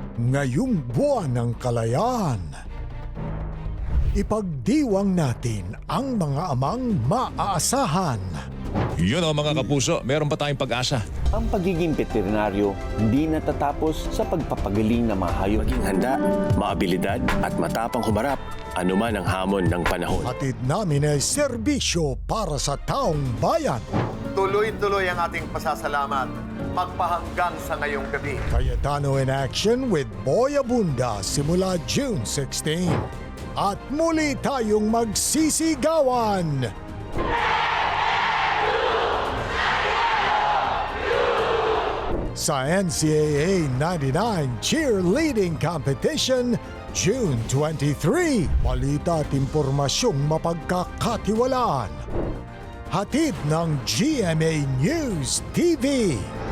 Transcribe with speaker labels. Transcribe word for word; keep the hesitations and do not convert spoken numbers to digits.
Speaker 1: Ngayong buwan ng kalayaan, ipagdiwang natin ang mga amang maaasahan.
Speaker 2: Yun o mga kapuso, meron pa tayong pag-asa.
Speaker 3: Ang pagiging veterinaryo hindi natatapos sa pagpapagaling ng mga hayop.
Speaker 4: Maging handa, maabilidad at matapang humarap anuman ang hamon ng panahon.
Speaker 1: Hatid namin ay serbisyo para sa taong bayan.
Speaker 5: Tuloy-tuloy ang ating pasasalamat magpahanggang sa ngayong gabi.
Speaker 1: Cayetano in action with Boy Abunda simula June sixteenth. At muli tayong magsisigawan! Sa N C A A ninety-nine Cheerleading Competition, June twenty-third. Balita at impormasyong mapagkakatiwalaan. Hatid ng G M A News T V.